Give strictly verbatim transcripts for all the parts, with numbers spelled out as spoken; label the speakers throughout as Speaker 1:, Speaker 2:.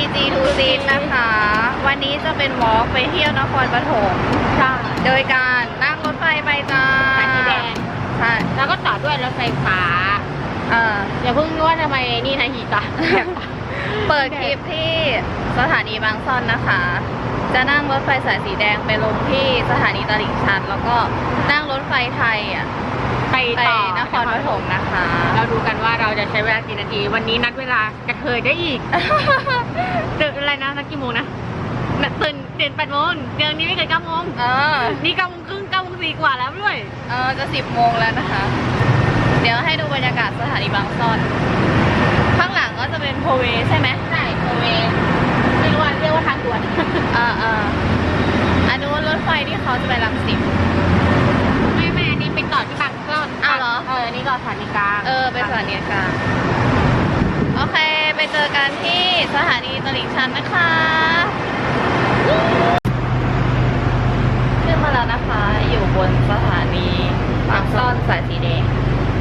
Speaker 1: จี ทู ซี นะคะ วันนี้จะเป็นวอล์กไปเที่ยวนครปฐม
Speaker 2: ใช่
Speaker 1: โดยการนั่งรถไฟไปจ้า
Speaker 2: สายสีแดง
Speaker 1: ใช่
Speaker 2: แล้วก็ต่อด้วยรถไฟฟ้า
Speaker 1: เออ
Speaker 2: อย่าเพิ่งว่าทำไมนี่นะฮีตา
Speaker 1: เปิดคลิปที่สถานีบางซ่อนนะคะ จะนั่งรถไฟสายสีแดงไปลงที่สถานีตลิ่งชัน แล้วก็นั่งรถไฟไทยอ่ะ
Speaker 2: ไป
Speaker 1: ไป
Speaker 2: ต่อน
Speaker 1: ครปฐมนะคะ
Speaker 2: เราดูกันว่าเราจะใช้เวลากี่นาที วันนี้นัดเวลากระเทยได้อีก ตื่นอะไรนะนัดกี่โมงนะตื่นตื่นแปดโมงเดี๋ยวนี้ไม่เกินเก้าโมง
Speaker 1: เออ
Speaker 2: นี่เก้าโมงครึ่งเก้าโมงสี่กว่าแล้วด้วย
Speaker 1: เออจะสิบโมงแล้วนะคะ เดี๋ยวให้ดูบรรยากาศสถานีบางซ่อน ข้างหลังก็จะเป็นโพเวใช่ไหม
Speaker 2: ใช่โอเวไม่รู้ว่าเรียกว่าทางด่วน
Speaker 1: อ่าอ่าอันนู้นรถไฟที่เขาจะไปรังสิต
Speaker 2: ไม่ไม่อันนี้ไปต่อที่บางซ่อน
Speaker 1: อ้าวเหรอ
Speaker 2: เอออันนี้ก็สถานีกลาง
Speaker 1: เออไปสถานีกลางโอเค ไปเจอกันที่สถานีตลิ่งชันนะคะขึ้นมาแล้วนะคะ อยู่บนสถานีบางซ่อนสายสีแดง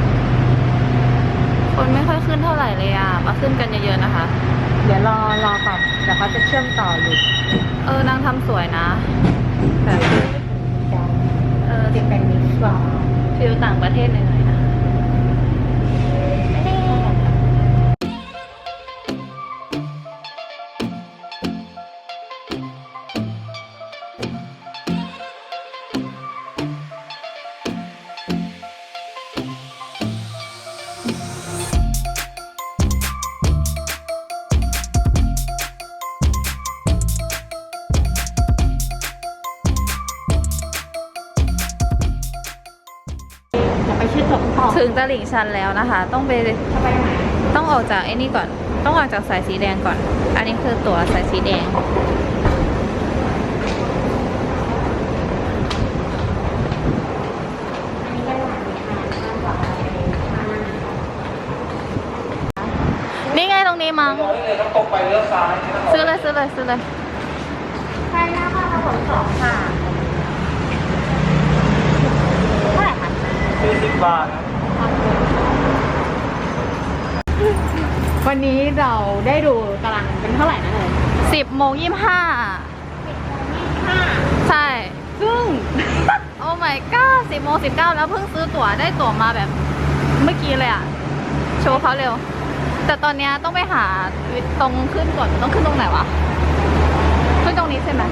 Speaker 1: คนไม่ค่อยขึ้นเท่าไหร่เลยอ่ะ มาขึ้นกันเยอะๆนะคะ
Speaker 2: เดี๋ยวรอรอก่อนเดี๋ยวเขาจะเชื่อมต่ออยู่
Speaker 1: เออนางทำสวยนะแบบเออ
Speaker 2: เด็กเป็นมิสกว่า
Speaker 1: ฟิลต่างประเทศหน่อยๆนะ
Speaker 2: จะไปชื่อจบต่อ
Speaker 1: ถึงตลิ่งชันแล้วนะคะ ต้องไป
Speaker 2: จะไปไหน
Speaker 1: ต้องออกจากไอ้นี่ก่อน ต้องออกจากสายสีแดงก่อน อันนี้คือตั๋วสายสีแดง นี่ไงตรงนี้มั้ง
Speaker 3: ต้องตรงไปเลี้ยวซ้าย
Speaker 1: ซื้อเลยซื้อเลยซื้อเลย
Speaker 2: ใช่หน้าบ้านเราขนสองค่ะเท่าไหร่คะ
Speaker 3: สี่สิบบาทนะ
Speaker 2: วันนี้เราได้ดูตารางเป็นเท่าไหร่นะเลย
Speaker 1: สิบโมงยี่สิบห้า
Speaker 2: ห้า
Speaker 1: ใช่
Speaker 2: ซึ่ง
Speaker 1: โอ้ my god สิบโมงสิบเก้าแล้วเพิ่งซื้อตั๋วได้ตั๋วมาแบบเมื่อกี้เลยอะโชว์เขาเร็ว แต่ตอนเนี้ยต้องไปหาตรงขึ้นก่อนต้องขึ้นตรงไหนวะ ขึ้นตรงนี้ใช่ไหม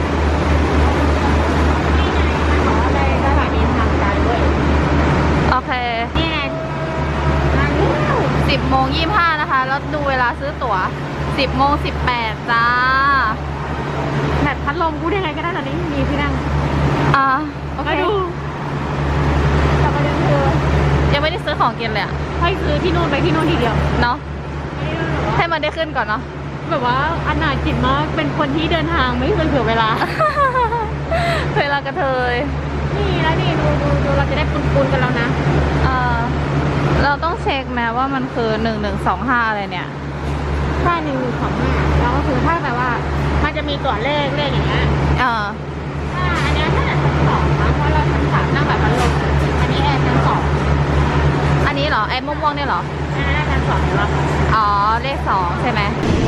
Speaker 2: ขอในสถานีทางการด้วย
Speaker 1: โอเค
Speaker 2: นี่ไงร้านนี้
Speaker 1: สิบโมงยี่สิบห้านะคะ แล้วดูเวลาซื้อตั๋วสิบโมงสิบแปดจ้า
Speaker 2: แบบพัดลมกูได้ไงก็ได้ตอนนี้มีที่นั่ง
Speaker 1: อ่าโอเค
Speaker 2: มาดูแต่ประเด็นคือ
Speaker 1: ยังไม่ได้ซื้อของกินเลยอะ
Speaker 2: ให้ซื้อที่นู่นไปที่นู่นทีเดียว
Speaker 1: เนาะ
Speaker 2: ไม่ได้แบบว่า
Speaker 1: ให้มันได้ขึ้นก่อนเนาะ
Speaker 2: แบบว่าอนาถจิตมากเป็นคนที่เดินทางไม่เคยเผื่อเวลา
Speaker 1: เวลากระเทย
Speaker 2: นี่แล้วนี่ดูดูดูเราจะได้ปุนๆกันแล้วนะ
Speaker 1: เออเราต้องเช็คแม้ว่ามันคือหนึ่งหนึ่งสองห้าอะไรเนี่ย
Speaker 2: ค่าหนึ่งของห้าแล้วก็คือถ้าแบบว่ามันจะมีตัวเลขเลขอย่างเงี้ย
Speaker 1: เออ
Speaker 2: ถ้าอันเนี้ยถ้าชั้นสองนะเพราะเราชั้นสามนั่งแบบพัดลมอันนี้แอร์ชั้นสอง
Speaker 1: อันนี้เหรอไอ้ม่วงๆเนี่ยเหรอ
Speaker 2: อันนั้นชั้นสองหรือเปล่า
Speaker 1: อ๋อ เลขสองใช่ไหม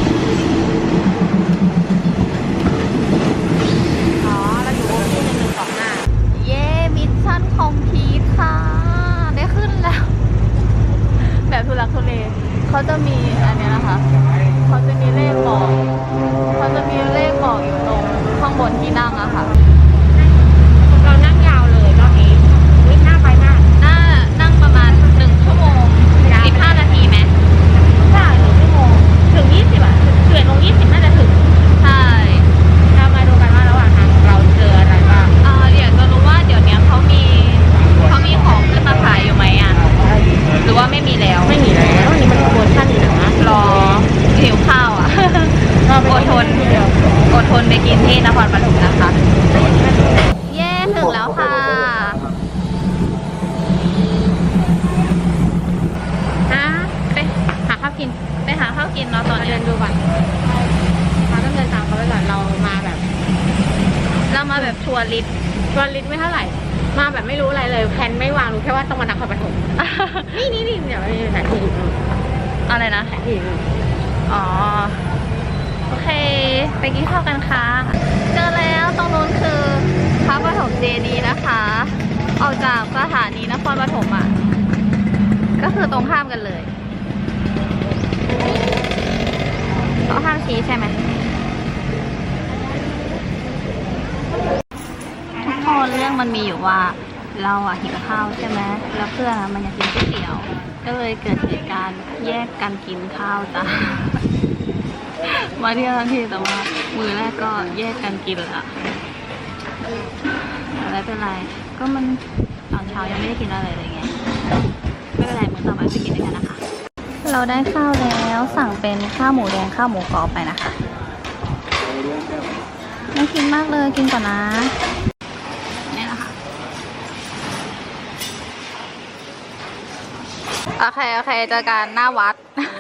Speaker 2: อ๋อเราอยู่ที่หนึ่งหนึ่งสองห้า
Speaker 1: เย้มิชชั่นคอมพลีทค่ะ ได้ขึ้นแล้ว แบบทุลักทุเลเขาจะมีอันเนี้ยนะคะ เขาจะมีเลขบอกเขาจะมีเลขบอกอยู่ตรงข้างบนที่นั่งอะค่ะ
Speaker 2: เรานั่งยาวเลยรอบนี้วิ่งหน้าไปมาก
Speaker 1: น่านั่งประมาณหนึ่งชั่วโมงสิบห้านาทีไหม
Speaker 2: ใช่หนึ่งชั่วโมงถึงยี่สิบอ่ะเกือบลงยี่สิบน่าจะถึง
Speaker 1: ใช่
Speaker 2: เรามาดูกันว่าระหว่างทางเราเจออะไรบ้าง
Speaker 1: เอ่อเดี๋ยวจะรู้ว่าเดี๋ยวนี้เขามีเขามีของขึ้นมาขายอยู่ไหมอะหรือว่าไม่มีแล้ว
Speaker 2: ไม่มีแล้ววันนี้มันโปรโมชั่นอยู่นะ
Speaker 1: รอหิวข้าวอ่ะ อดทนอดทนไปกินที่นครปฐมนะคะ เย้ถึงแล้วค่ะ
Speaker 2: ฮะไปหาข้าวกิน
Speaker 1: ไปหาข้าวกินเนาะตอน
Speaker 2: มา
Speaker 1: นี้
Speaker 2: เดินดูก่อนเราต้องเดินตามเขาไปก่อนเรามาแบบ
Speaker 1: เรามาแบบทัวริสต์
Speaker 2: วันลิตรไม่เท่าไหร่ มาแบบไม่รู้อะไรเลยแผนไม่วางรู้แค่ว่าต้องมานครปฐม นี่นี่นี่เดี๋ยวมีแผนที่
Speaker 1: อะไรนะ
Speaker 2: แผนที่
Speaker 1: อ๋อ โอเคไปกินข้าวกันค่ะเจอแล้วตรงนู้นคือพระปฐมเจดีย์นะคะ ออกจากสถานีนครปฐมอ่ะก็คือตรงข้ามกันเลยเขาห้ามชี้ใช่ไหมทุกคนเรื่องมันมีอยู่ว่าเราอะหิวข้าวใช่ไหมแล้วเพื่อนอะมันอยากกินก๋วยเตี๋ยวก็เลยเกิดเหตุการณ์แยกกันกินข้าวจ้า มาเที่ยวทั้งทีแต่ว่ามือแรกก็แยกกันกินละไม่เป็นไรก็มันตอนเช้ายังไม่ได้กินอะไรเลยไงไม่เป็นไรมื้อต่อไปไปกินด้วยกันนะคะ เราได้ข้าวแล้วสั่งเป็นข้าวหมูแดงข้าวหมูกรอบไปนะคะน่ากินมากเลยกินก่อนนะนี่นะคะโอเคโอเคเจอกันหน้าวัด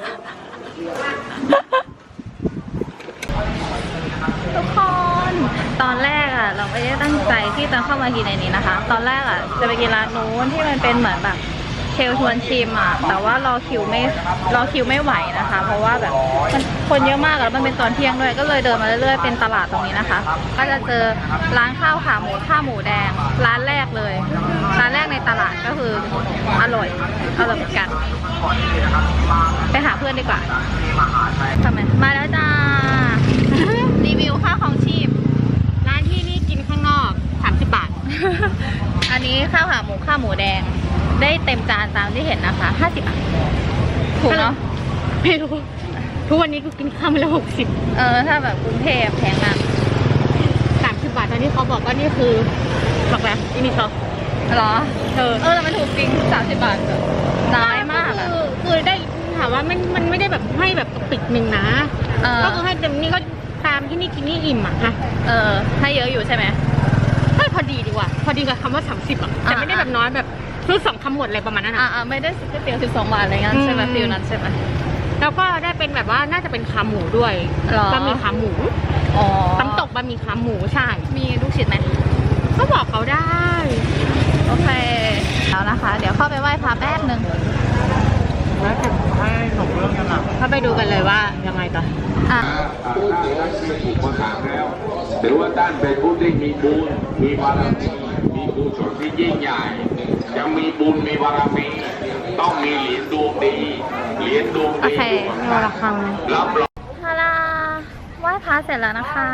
Speaker 1: ทุกคนตอนแรกอ่ะเราไม่ได้ตั้งใจที่จะเข้ามากินในนี้นะคะ ตอนแรกอ่ะจะไปกินร้านนู้นที่มันเป็นเหมือนแบบเชลชวนชิมอ่ะแต่ว่ารอคิวไม่รอคิวไม่ไหวนะคะ เพราะว่าแบบมันคนเยอะมากแล้วมันเป็นตอนเที่ยงด้วยก็เลยเดินมาเรื่อยๆเป็นตลาดตรงนี้นะคะ ก็จะเจอร้านข้าวขาหมูข้าวหมูแดงร้านแรกเลยร้านแรกในตลาดก็คืออร่อยอร่อยเหมือนกันไปหาเพื่อนดีกว่าทำไมมาแล้วจ้า รีวิวค่าของชีพ
Speaker 2: ร้านที่นี่กินข้างนอกสามสิบบาท
Speaker 1: อันนี้ข้าวขาหมูข้าวหมูแดงได้เต็มจานตามที่เห็นนะคะห้าสิบบาทถูกเนาะ
Speaker 2: ไม่รู้ทุกวันนี้กูกินข้าวมาแล้วหกสิบ
Speaker 1: เออถ้าแบบกรุงเทพแพงมาก
Speaker 2: สามสิบบาทตอนที่เขาบอกว่านี่คือบอกแล้วอีนี่เขา
Speaker 1: หรอ
Speaker 2: เออ
Speaker 1: เออแต่มันถูกจริงสามสิบบาทน้อยมากอ่ะ
Speaker 2: คือคือได้ถามว่ามันมันไม่ได้แบบให้แบบปิดหนึ่งนะก็คือให้เต็มนี่ก็ตามที่นี่กินนี่อิ่มอ่ะค่ะ
Speaker 1: เออให้เยอะอยู่ใช่ไหม
Speaker 2: ให้พอดีดีกว่าพอดีกับคำว่าสามสิบอ่ะแต่ไม่ได้แบบน้อยแบบซื้อสองคำหมดอะไรประมาณนั้นอ่ะ
Speaker 1: อ่าไม่ได้ก๋วยเตี๋ยวสิบสองบาทอะไรเงี้ยใช่ไหมฟิลนั้นใช่ไหม
Speaker 2: แล้วก็ได้เป็นแบบว่าน่าจะเป็นขาหมูด้วยบะหมี่ขาหมู
Speaker 1: อ๋อ
Speaker 2: น้ำตกบะหมี่ขาหมูใช่
Speaker 1: มีลูกชิ้นไหม
Speaker 2: ก็บอกเขาได้
Speaker 1: โอเคแล้วนะคะเดี๋ยวเข้าไปไหว้พระแป๊บนึง
Speaker 3: แล้วถึงให้หนุ่มเรื่องกันหลัง
Speaker 2: เข้าไปดูกันเลยว่ายังไงต่อ
Speaker 1: อ่ะ
Speaker 4: ถูกประกาศแล้วถือว่าท่านเป็นผู้ที่มีบุญมีบารมีมีกุศลที่ยิ่งใหญ่ยังมีบุญมีบารมีต้องมีเหรียญดวงดีเหรียญดวงดี
Speaker 1: โอเค
Speaker 2: ระฆัง
Speaker 4: รับรอง
Speaker 1: ฮาลาไหว้พระเสร็จแล้วนะคะ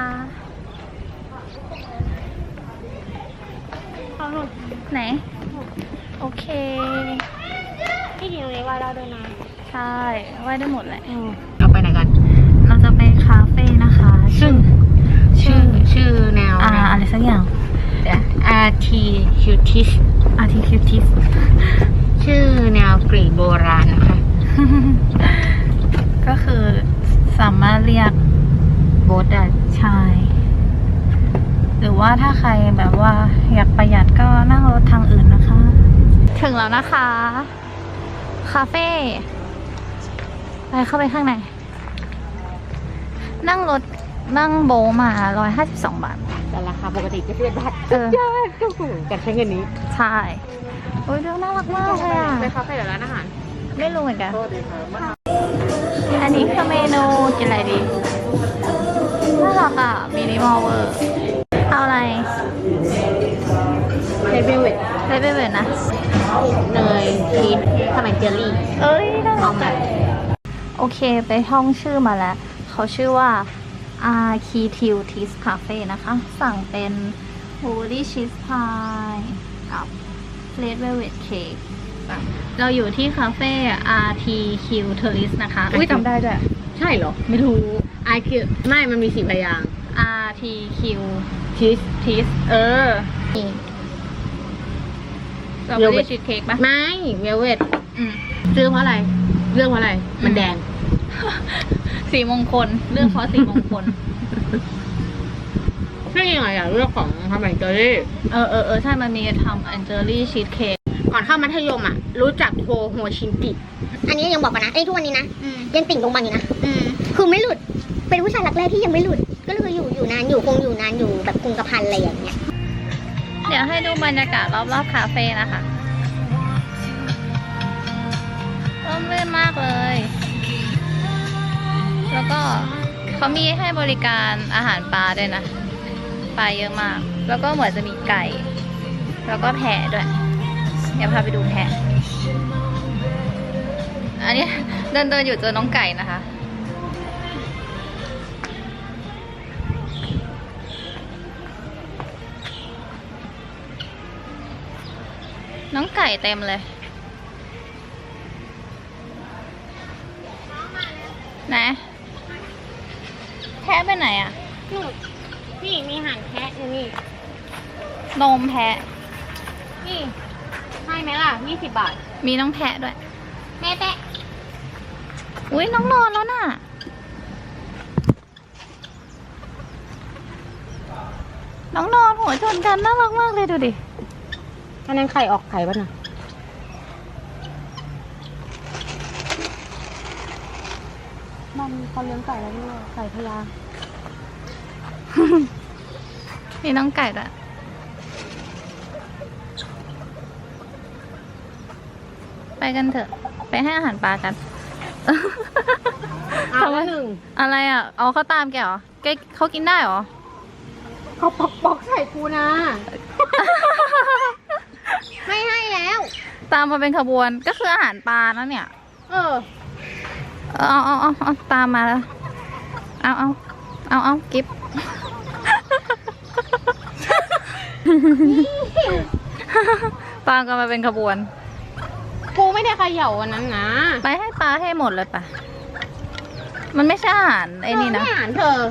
Speaker 1: ไหนโอเค
Speaker 2: ที่จริงตรงนี้ไหว้ได้ด้วยนะ
Speaker 1: ใช่ไหว้ได้หมดแหละ
Speaker 2: เราไปไหนกัน
Speaker 1: เราจะไปคาเฟ่นะคะ
Speaker 2: ซึ่งชื่อชื่อแนว
Speaker 1: อ่าอะไรสักอย่าง
Speaker 2: Articutis
Speaker 1: Articutis
Speaker 2: ชื่อแนวกรีกโบราณนะคะ
Speaker 1: ก็คือสามารถเรียกโบ๊ทได้ใช่หรือว่าถ้าใครแบบว่าอยากประหยัดก็นั่งรถทางอื่นนะคะ ถึงแล้วนะคะคาเฟ่ไปเข้าไปข้างในนั่งรถนั่งโบมาหนึ่งร้อยห้าสิบสองบาท
Speaker 2: แต่ราคาปกติจะเป็นบาท
Speaker 1: เออ
Speaker 2: ก็ถูกกันใช้เงินนี้
Speaker 1: ใช่โอ้ยดูน่ารักมากเลยอ่ะ
Speaker 2: ไปคาเฟ่หรือร้านอาหาร
Speaker 1: ไม่รู้เหมือนกันอันนี้คือเมนูกินอะไรดีน่ารักอ่ะมินิมอลเวอร์เอาอะไร
Speaker 2: เลเวลเวท
Speaker 1: เลเวลเวทนะ
Speaker 2: เนยชีสทำไมเจลลี่
Speaker 1: เอ้ยน่ารักจังโอเคไปท่องชื่อมาแล้วเขาชื่อว่า Articutis Cafe นะคะสั่งเป็น Holy Cheese Pie กับ Red Velvet Cake เราอยู่ที่คาเฟ่ Articutis นะคะอุ้ยจำได้ด้วย
Speaker 2: ใช่เหรอไม่รู้ I คือไม่มันมีสี่พยางค์
Speaker 1: Articutis Cheese เออเราไม่ได้ชีสเค้กปะ
Speaker 2: ไม่เวลเวทซื้อเพราะอะไรเรื่องเพราะอะไรมันแดง
Speaker 1: สีมงคลเรื่องเพราะสีมงคล
Speaker 2: ใช่ยังไงอะเรื่องของทำแอนเจอรี่
Speaker 1: เออเออเออใช่มันมีทำแอนเจอรี่ชีสเค้ก
Speaker 2: ก่อนเข้ามัธยมอะรู้จักโทโฮชินกิ
Speaker 5: อันนี้ยังบอกกันนะไอ้ทุกวันนี้นะยังติ่งตรงบังอยู่นะคือไม่หลุดเป็นผู้ชายรักแรกที่ยังไม่หลุดก็เลยอยู่อยู่นานอยู่คงอยู่นานอยู่แบบคงกระพันอะไรอย่างเงี้ย
Speaker 1: เดี๋ยวให้ดูบรรยากาศรอบๆคาเฟ่นะคะร่มรื่นมากเลยแล้วก็เขามีให้บริการอาหารปลาด้วยนะปลาเยอะมาก แล้วก็เหมือนจะมีไก่ แล้วก็แพะด้วยเดี๋ยวพาไปดูแพะอันนี้เดินเดินอยู่เจอน้องไก่นะคะ น้องไก่เต็มเลยไหนแพะไปไหนอ่ะ
Speaker 2: นู่นนี่มีอาหารแพะอยู่นี่
Speaker 1: นมแพะ
Speaker 2: นี่ให้ไหมล่ะยี่สิบบาท
Speaker 1: มีน้องแพะด้วย
Speaker 2: แม่แปะ
Speaker 1: อุ้ยน้องนอนแล้วน่ะ น้องนอนหัวชนกันน่ารักมากเลยดูดิ
Speaker 2: อันนั้นไข่ออกไข่ป่ะน่ะมันเขาเลี้ยงไก่แล้วด้วยไก่พญา
Speaker 1: มีน้องไก่ด้วยไปกันเถอะ ไปให้อาหารปลากัน
Speaker 2: เอาละหนึ่ง
Speaker 1: อะไรอ่ะ เอาเขาตามแกเหรอแกเขากินได้เหรอ
Speaker 2: เขาปอกปอกใส่ปูนะ ไม่ให้แล้ว
Speaker 1: ตามมาเป็นขบวนก็คืออาหารปลานะเนี่ย
Speaker 2: เออ
Speaker 1: เอาเอาเอาเอาตามมาแล้ว เอาเอาเอาเอากิฟ ตามกันมาเป็นขบวน
Speaker 2: ปูไม่ได้เขย่าวันนั้นนะ
Speaker 1: ไปให้ปลาให้หมดเลยปะมันไม่ใช่อาหารไอ้นี่นะ
Speaker 2: เธอไม่อ่านเธอ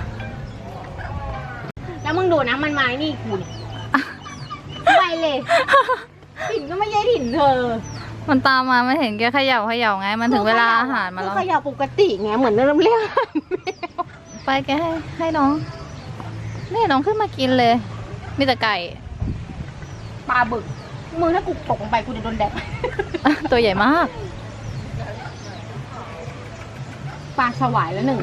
Speaker 2: แล้วมึงดูนะมันไม้นี่กูเนี่ยไปเลยถิ่นก็ไม่ใช่ถิ่นเธอ
Speaker 1: มันตามมาไม่เห็นแกเขย่าเขย่าไง มันถึงเวลาอาหารมาแล้ว
Speaker 2: เขย่าปกติไงเหมือนเริ่มเรียก
Speaker 1: ไปแกให้ให้น้องนี่น้องขึ้นมากินเลย มีแต่ไก่
Speaker 2: ปลาบึกมือถ้ากูตกลงไปกูจะโดนแดด
Speaker 1: ตัวใหญ่มาก
Speaker 2: ปลาสวายแล้วหนึ่ง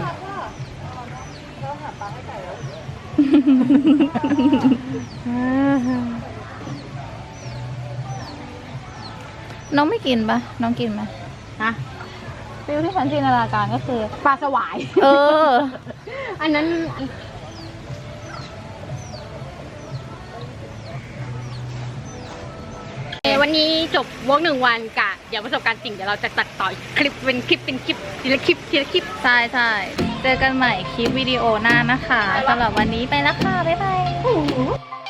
Speaker 1: น้องไม่กินปะน้องกินไหม
Speaker 2: ฮะ
Speaker 1: ฟิลที่ฉันจินตนาการก็คือ
Speaker 2: ปลาสวาย
Speaker 1: เออ
Speaker 2: อันนั้นเอ่อวันนี้จบวอล์กหนึ่งวันกะเดี๋ยวประสบการณ์จริงเดี๋ยวเราจะตัดต่อคลิปเป็นคลิปเป็นคลิปทีละคลิปทีละคลิป
Speaker 1: ใช่ใช่เจอกันใหม่คลิปวิดีโอหน้านะคะสำหรับวันนี้ไปแล้วค่ะ บ๊ายบาย